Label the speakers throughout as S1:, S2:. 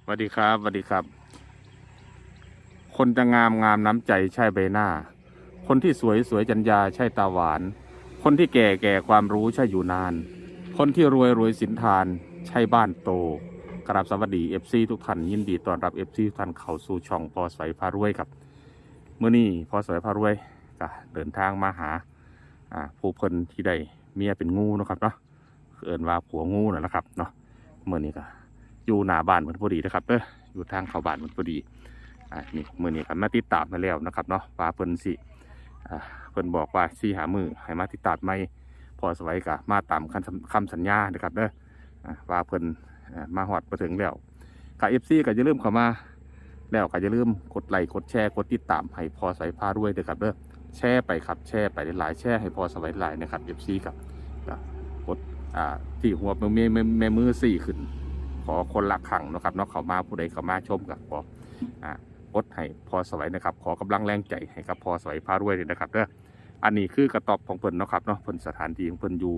S1: สวัสดีครับสวัสดีครับคนจะงามงามน้ำใจใช่ใบหน้าคนที่สวยสวยจัญญาใช่ตาหวานคนที่แก่แก่ความรู้ใช่อยู่นานคนที่รวยรวยสินทานใช่บ้านโตกราบสวัสดีFCทุกท่านยินดีต้อนรับFCทุกท่านเข้าสู่ช่องพอสวยพารวยครับเมื่อนี้พอสวยพารวยก็เดินทางมาหาผู้เพิ่นที่ได้เมียเป็นงูนะครับเนาะเอิ้นว่าผัวงูนั่นแหละครับเนาะเมื่อนี้ก็อยู่หน้าบ้านเหมือนพอดีนะครับอยู่ทางเข้าบ้านเหมือนพอดีนี่มื้อนี้ครับมาติดตามมาแล้วนะครับเนาะว่าเพิ่นสิเพิ่นบอกว่าสิหามือให้มาติดตามใหม่พอสวัยก็มาตามคำสัญญานะครับว่าเพิ่นมาฮอดมาถึงแล้วก็ FC ก็อย่าลืมเข้ามาแล้วก็อย่าลืมกดไลค์กดแชร์กดติดตามให้พอสวัยพารวยด้วยครับแชร์ไปครับแชร์ไปหลายๆแชร์ให้พอสวัยหลายนะครับ FC ครับกดที่หัวแม่มือ4ขึ้นขอคนละครั้งนะครับเนาะเข้ามาผู้ใดเข้ามาชมกับกดให้พอสวัยนะครับขอกำลังแรงใจให้กับพอสวัยพารวยเลยนะครับอันนี้คือกระต๊อบของเพิ่นเนาะครับเนาะเพิ่นสถานที่ของเพิ่นอยู่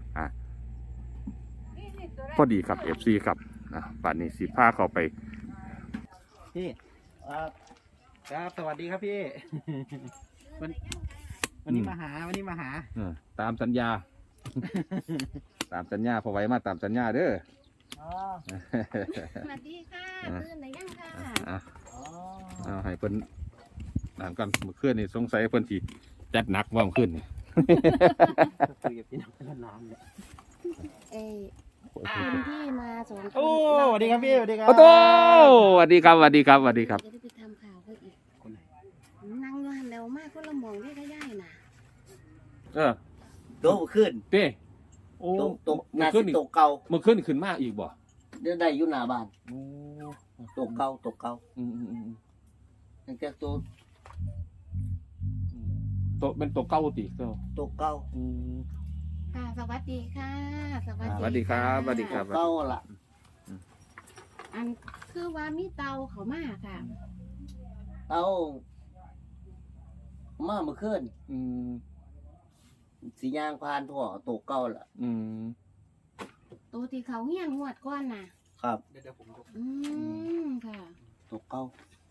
S1: พอดีครับ FC ครับป่านนี้สิพาเข้าไป
S2: พี่ครับสวัสดีครับพี่วันนี้มาหา
S1: ตามสัญญา ตามสัญญาพอไว้มาตามสัญญาเด้อ
S3: สวัสดีค่ะตื่นได้ยังค่ะ
S1: เอาให้เพิ่นนานก่อนเมื่อคืนนี่สงสัยเพิ่นสิจัดหนักว่าเมื่อคืนนี่
S2: คุยกับพี่น้องกันนานเลย
S3: คนที่มาสองคน
S2: โอ้สวัสดีครับพี่สวัสดีครับ
S1: โอ้โตสวัสดีครับสวัสดีครับสวัสดีครับ
S3: จะได้ไปทำข่าวเขาอีกคนไหนนั่งอยู่หันเร็วมากคนละมองที่ขย่ายน่ะ
S2: โตขึ้น
S1: เต้โอ้
S2: ตกเมื่อคืนตกเก่า
S1: เมื่อคืนขึ้นมาอีกบ่
S2: เดี๋ยวได้อยู่หน้าบ้านตกเก่าตั้งแต่
S1: เป็นตัวเก่าติ
S2: ตกเก่า
S3: ค่ะสวัสดีค่ะ
S1: สวัสดีครับสวัสดีครับ
S2: เก่าล่ะ
S3: อันคือว่ามีเตาเขามาค่ะ
S2: เตามาเมื่อคืนสียางพานถั่วตกเก่าล่ะ
S3: ตัวที่เขาเงี้ยนงวดก้อนน่ะ
S2: ครับเดี๋ยวผม
S3: ค่ะ
S2: ตกเก่า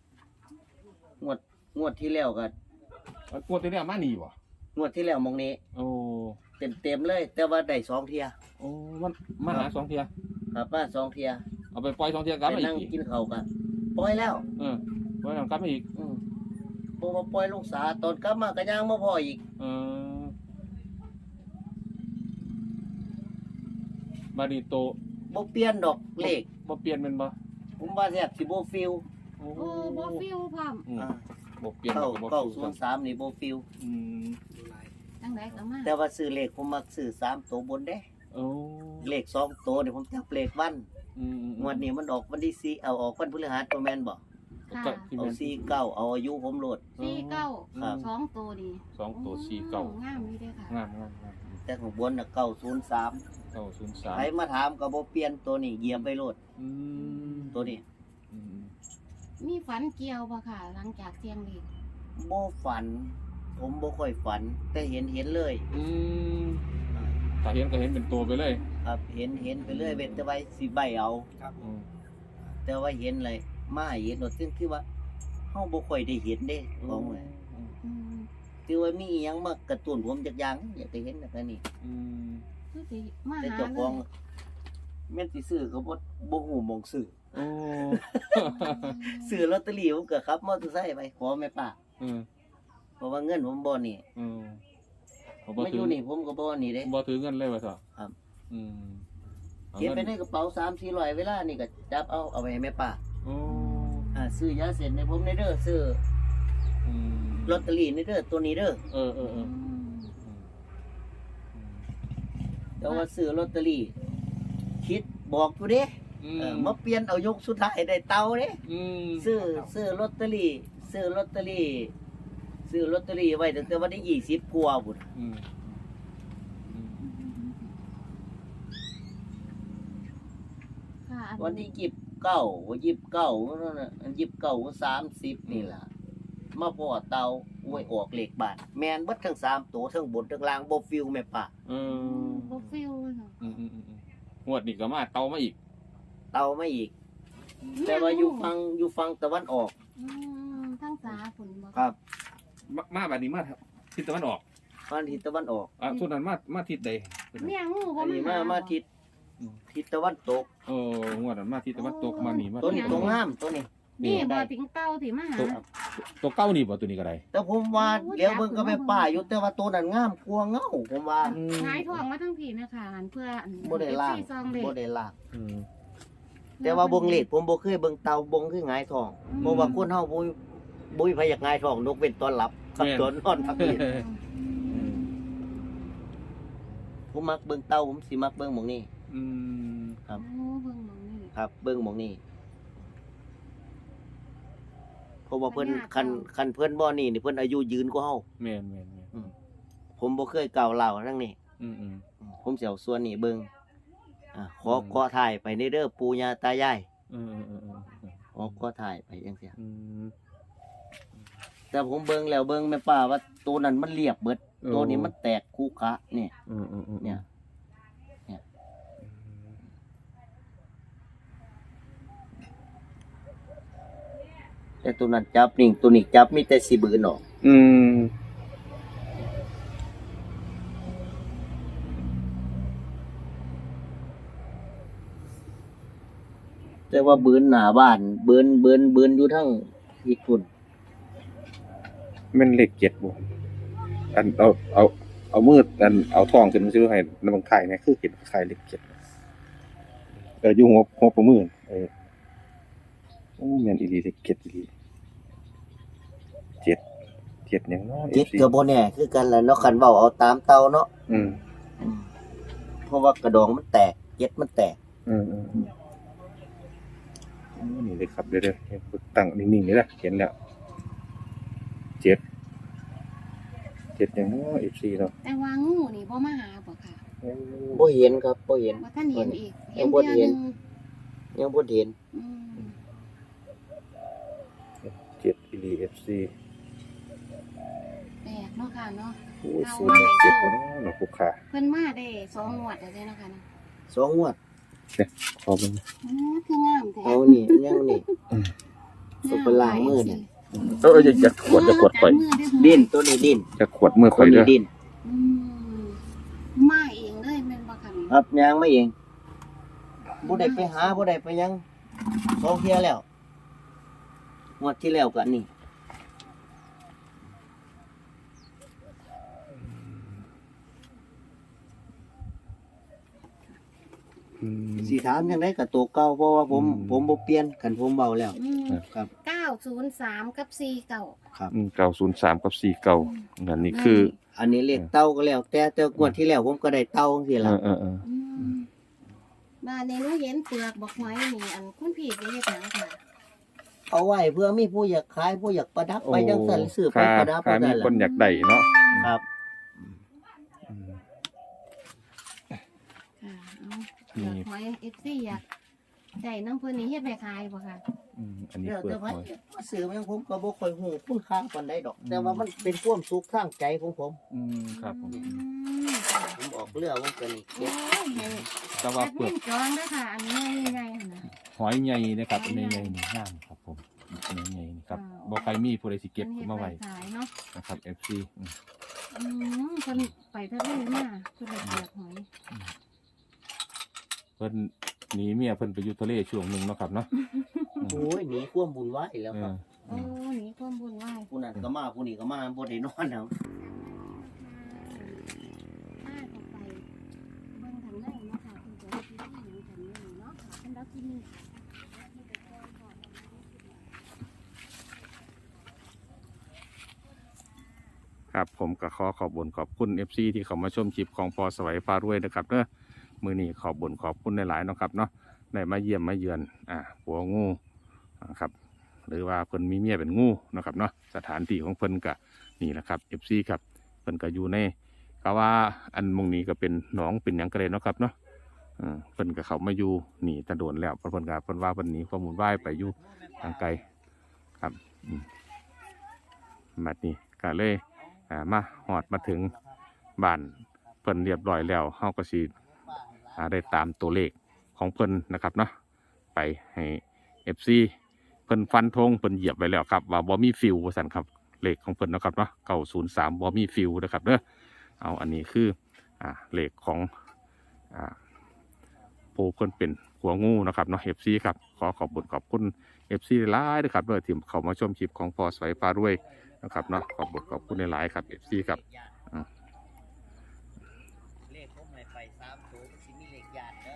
S2: งวดที่แล้วกัน
S1: งวดที่แล้วมาหนีบ่
S2: งวดที่แล้วมองนี้
S1: โอ้
S2: เต็มเลยแต่ว่าได้2 เที่ย
S1: โอ้มันมาหา2 เที่ย
S2: ครับมา2 เที่ย
S1: เอาไปปล่อย2 เที่ยกลับมาอีก
S2: นั่งกินข้าวกันปล่อยแล้ว
S1: ปล่อยกลับมาอีก
S2: พอมาปล่อยลงสาตอนกลับมาก็ย่างมาพออีก
S1: บาดีโต
S2: บ่เปลี่ยนดอกเลข
S1: บ่เปลี่ยนเป็นบ่
S2: ผมว่าแซ่บสิบ่ฟิล
S3: โอ้บ่ฟิลพร้อม
S1: บ่เปลี่ยน
S2: ก็903นี่บ่ฟิล
S3: จังได๋ก็มา
S2: แต่ว่าซื้อเลขผมมักซื้อ3 ตัวบนเด้
S1: โอ้
S2: เลข2 ตัวนี่ผมจับเลขวันงวดนี้มันออกวันที่4เอาออกวันพฤหัสบ่แม่นบ่เอา49เอาอายุผมโลด
S3: 49 2 ตัวดี
S1: 2 ตัว49
S3: งามนี่เด้อค่ะ
S1: งาม
S2: แต่ข้างบนน่ะ903ใครมาถามก็บ่เปลี่ยนตัวนี้เหยียบไปโลดตัวนี้
S3: มีฝันเกี่ยวบ่ค่ะหลังจากเที่ยงเลข
S2: บ่ฝันผมบ่ค่อยฝันแต่เห็นเลย
S1: ถ้าเห็นก็เห็นเป็นตัวไปเลย
S2: ครับเห็นไปเลยเว้นแต่ไว้สิใบเอาครับแต่ว่าเห็นเลยมาเห็นโดดซึ่งคือว่าเฮาบ่ค่อยได้เห็นเด้ของเลยคือว่ามีอีหยังมากระตุ้นผมจักอย่างอยากได้เห็นแบบนี้
S3: คือสิมา
S2: แต่
S3: หา
S2: เจ้าของแม่นสิซื้อก็บ่ฮู้หม่องซื้อซื้อลอตเตอรี่ผมก็ขับมอเตอร์ไซค์ไปขอแม่ป้าเพราะว่าเงินผมบ่นี่ไม่อยู่นี่ผมก็บ่นี่เด้
S1: บ่ถือเงินเลยว่าซะ
S2: ครับเก็บไปในกระเป๋า3-400เวลานี่ก็จับเอาไปให้แม่ป้าซื้อยาเสพในผมในเด้อซื้อลอตเตอรี่ในเด้อตัวนี้เด้อแต่ว่าซื้อลอตเตอรี่คิดบอกอยู่เด้มาเปลี่ยนเอายกสุดท้ายได้เตาเด้ซื้อลอตเตอรี่ไว้ตั้งแต่วันที่20กว่าพุ่นวันที่29นั่นน่ะ29 30นี่ล่ะมาพอเตาอวยออกเลขบาทแม่นเบิดทั้ง3ตัวทั้งบนทั้งล่างบ่ฟิวแม่ป้า
S3: บ่ฟิว
S1: งวดนี้ก็มาเตามาอีก
S2: แต่ว่าอยู่ฟังตะวันออก
S3: ทั้งสาฝนบ่
S2: ครับ
S1: มาแบบนี้มาทิศตะวันออก
S2: ฟังทิศตะวันออก
S1: ส่วนนั้นมาทิศใด
S3: เนี่ยงูบ่
S2: อันนี้
S3: มา
S2: มาทิศตะวันตก
S1: งวดนั้นมาทิศตะวันตกมานี่มา
S2: ตัวนี้ตัวงามตัวนี้
S3: นี่บ่ถึงเต้าที่มาหา
S1: ตัวเก้านี่บ่ตัวนี้ก็ได้
S2: แต่ผมว่าเดี๋ยวเบิ่งก็ไปป่าอยู่แต่ว่าตัวนั้นงามกว่าเงาผมว่า
S3: หายทองมาทั้งผีนะคะหันเพื่ออัน
S2: บ่ได้ล่าง
S3: ซองเด็
S2: บ่ได้ล่างแต่ว่าเบิ่งเลขผมบ่เคยเบิ่งเตาบงคือหงายทองเพราะว่าคนเฮาบ่มีไผอยากหงายทองนกเว้นตอนหลับกับตอนนอนพักเพียนผมมักเบิ่งเตาผมสิมักเบิ่งหม่องนี้ ครับ
S3: โอ้เบิ่งหมองนี่
S2: ครับเบิ่งหม่องนี้เพราะว่าเพิ่น
S3: ปัญญา
S2: คันเพิ่นบ่นี่เพิ่นอายุยืนกว่าเฮา
S1: แม่น
S2: ผมบ่เคยกล่าวเล่าทั้งนี้ ผมสิเอาส่วนนี้เบิ่งขอถ่ายไปในเด้อปู่ย่าตายายขอถ่ายไปจังซี่แต่ผมเบิ่งแล้วเบิ่งแม่ป้าว่าตัวนั้นมันเรียบเบิดตัวนี้มันแตกคูกะเนี่ยเนี่ยแต่ตัวนั้นจับนิ่งตัวนี้จับมีแต่สิบืนออกแต่ว่าบืนหน้าบ้านบืนอยู่ทั้งอีกพุ่น
S1: มันเลข7บ่อันเอามืดอันเอาทองขึ้นมาซื้อให้นำไข่เนี่ยคือเห็นไข่เลข7อยู่หัวประมือโอ้แม่นอีหลีเลข7อีหลี7หยังเนาะ
S2: จิตก็บ่แน่คือกันแหละเนาะคันเว้าเอาตามเตาเนาะเพราะว่ากระดองมันแตกเจ็ดมันแตก
S1: นี่เลยครับเดี๋ยวตั้งนิ่งๆนี่แหละเห็นแล้ว7อย่างน้อย FC เนาะ
S3: แต่ว่างูนี่บ่มาหาบ่ค่ะ
S2: บ่เห็นครับบ่เห็น
S3: บ่ท่านเห็นอีก
S2: ยังบ่
S3: เทื่อ
S2: เห็
S3: ห
S2: น
S3: นึง
S2: ยังบ่เห็น
S3: อืม
S1: 7 อีหลี FC
S3: แปลกเนาะค่ะเนาะ
S1: โอ้ย07บ่เนาะเนาะผู้ค้า
S3: เพิ่นมาได้2งวดแล้วเด้เนาะค่ะเนาะ
S2: สองงวด
S1: ขอเบิ่ง
S3: คืองามแท้
S2: เอานี่ยังนี่ ตัวเป็นล้างมือเนี่ย
S1: จะขวดข่อย
S2: ดิ้นตัวนี้ดิ้น
S1: จะขวดมือ
S2: ตั
S1: ข่อ
S2: วย นี้
S1: เด้อ
S2: ดิ้น
S3: อืมมาเองเลยแม่นบ่ค่ะนี่
S2: ครับยางมาเองบ่ได้ไปหาบ่ได้ไปหยังสองเที่ยแล้วงวดที่แล้วก็นี่สิถามจังได๋ก็ตัวเก่าเพราะว่าผมบ่เปลี่ยนคันผมเบาแล้ว ครับ
S3: 903กับ49
S2: ครับ
S1: 903กับ49นั่นนี่คือ
S2: อันนี้เลขเต้าก็แล้ว แต่งวดที่แล้วผมก็ได้เต้าจังซี่ล่ะ
S3: บ้านนี้หนูเห็นเปลือกบักหอยนี่อันคุณพี่สิเฮ็ดหยังค่ะ
S2: เอาไว้เพื่อมีผู้อยากขายผู้อยากประดับไปจังซั่นซื้อไปประดับ
S1: ถ้ามีคนอยากได้เนาะ
S2: ครับ
S3: ค่ะเอาเปลือกหอย FC อยากได้น้ำเพิ่นนี่เฮ็ดไปขายบ่ค่ะ
S1: อันนี้
S2: เดี๋ยว
S1: เปิด
S2: แต่ว่า
S1: หอย
S2: ซื้อมันผมก็บ่ค่อยฮู้คุณค่าปานใดดอก แต่ว่ามันเป็นความสุขทางใจของผม
S1: ครับผม
S2: ผมออกเรือผมก็นี่
S3: โอ้
S2: เก็บ
S3: ย
S1: แต่ว่าเปลือก
S3: จองเด้อค่ะ อันนี้ใหญ่ๆหั่นน่ะ
S1: หอยใหญ่นะครับในใหญ่นี่งามครับผมในใหญ่นี่ครับบ่ใครมีผู้ใดสิเก็บมาไว้
S3: ขายเนาะ
S1: นะครับ FC
S3: เพิ่นไปทะเลมาเพิ่นได้เปลือกหอย
S1: เพิ่นหนีเมียเพิ่นไปอยู่ทะเลช่วงหนึงเนาะครับเนาะ
S2: โอ้ยหนีความบุญไหวแล้วครับ
S3: โอ้หนีความบุญไหวาย
S2: ผู้นั้นก็มาผู้นี้ก็มาบ่ได้นอนแล้ว
S3: มาต่อไปเบิ่งทางไหนเนาะค่ะคุณจะได้ที่ทางนี้เนาะค่ะสำหรับที่นี่
S1: ครับผมก็ขอบคุญขอบคุณ FC ที่เข้ามาชมคลิปของพอสวัยฟ้ารวยนะครับเด้อมื้อนี้ขอบคุณหลายๆเนาะครับเนาะได้มาเยี่ยมมาเยือนหัวงูครับหรือว่าเพิ่นมีเมียเป็นงูนะครับเนาะสถานที่ของเพิ่นก็นี่แหละครับ FC ครับเพิ่นก็อยู่ในก็ว่าอันมงนี้ก็เป็นหนองเป็นหยังกระเด็นเนาะครับเนาะเพิ่นก็เข้ามาอยู่นี่ตะโดนแล้วเพิ่นก็เพิ่นว่าเพิ่นหนีข้อมูลว่ายไปอยู่ทางไกลครับบัดนี้ก็เลยมาหอดมาถึงบ้านเพิ่นเรียบร้อยแล้วเฮาก็สิได้ตามตัวเลขของเพิ่นนะครับเนาะไปให้ FC เพิ่นฟันธงเพิ่นเหยียบไว้แล้วครับว่าบ่มีฟิวว่าซั่นครับเลขของเพิ่นเนาะครับเนาะ903บ่มีฟิวนะครับเด้อเอาอันนี้คือเลขของผู้เพิ่นเป็นหัวงูนะครับเนาะ FC ครับขอขอบคุณ FC หลายๆนะครับเด้อที่เข้ามาชมคลิปของพอสวยฟ้ารวยนะครับเนาะขอบคุณหลายๆครับ FC ครับ
S2: เลขผมให้ไป3ตัวสิมีเลขญาติเด้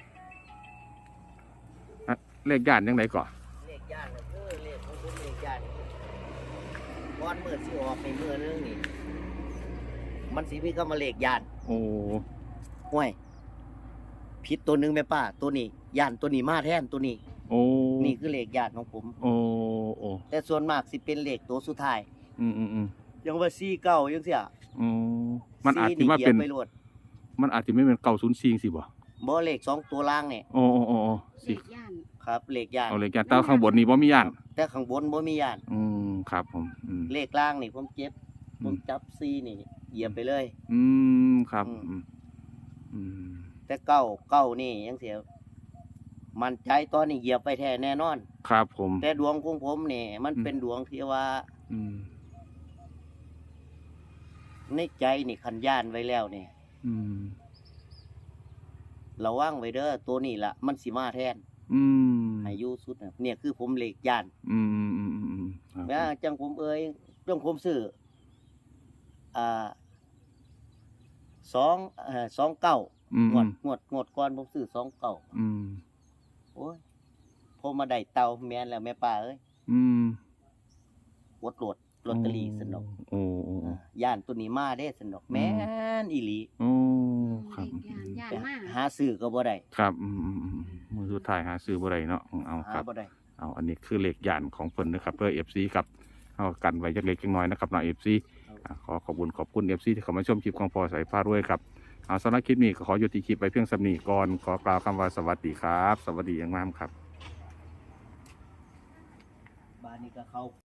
S2: อ
S1: เลขย่านยังไงก่อน
S2: เลขญาติก็คือเลขของผมเลขญาติก้อนมือสิออกในมือนึงนี่มันสิมีก็มาเลขญาติ
S1: โอ้
S2: ห่วยผิดตัวหนึงแม่ป้าตัวนี้ญาติตัวนี้มาแทนตัวนี้
S1: โอ้
S2: นี่คือเลขญาติของผม
S1: โอ้โอ้
S2: แต่ส่วนมากสิเป็นเลขตัวสุดท้าย
S1: อืม
S2: ยังว่า49จังซี่อ่ะ
S1: อืมมันอาจจะมาเป็น
S2: ไปโลด
S1: มันอาจจะไม่เป็น904สิบ่
S2: บ่เลข2ตัวล่างนี่
S1: โอ้สิ
S3: เลขย่าน
S2: ครับเลขญาติ
S1: เอาเลขย่านแต่ข้างบนนี่บ่มีย่าน
S2: แต่ข้างบนบ่มีญาติ
S1: ครับผม
S2: เลขล่างนี่ผมเจ็บผมจับ4นี่เหยียบไปเลย
S1: ครับ
S2: แต่เก้านี่ยังเสียมันใจตอนนี้เหยียบไปแท้แน่นอน
S1: ครับผม
S2: แต่ดวงของผมนี่มันเป็นดวงที่ว่าในใจนี่คันย่านไว้แล้วนี่ระวังไว้เด้อตัวนี้ล่ะมันสิมาแทนให้อยู่สุดน่ะเนี่ยคือผมเลขย่านแล้วจังผมจังผมซื้องวดก่อนผมซื้อ29โอ้ยพอมาได้เตาแม่นแล้วแม่ป้าเอ้ยกดโหลดลอตเตอรี่สนอกย่านตัวนี้มาเด้สนอกแม่นอีหลี
S1: ครับ
S3: ย่านมาก
S2: หาซื้อก็บ่ได้
S1: ครับมือสุดท้ายหาซื้อบ่ได้เนาะเอาค
S2: หา
S1: รับ
S2: บ่ได้
S1: เอาอันนี้คือเลขย่านของเพิ่นนะครับเพื่อ FC ครับเอากันไว้จักเล็กจักน้อยนะครับเนาะ FC ขอบคุณ FC ที่เข้ามาชมคลิปของพอสายฟ้ารวยครับเอาสำหรับคลิปนี้ก็ขอยุติคลิปไปเพียงสำนีก่อนขอกล่าวคำว่าสวัสดีครับ สวัสดีอย่างมากครับ
S2: บ้านนี้ก็เขา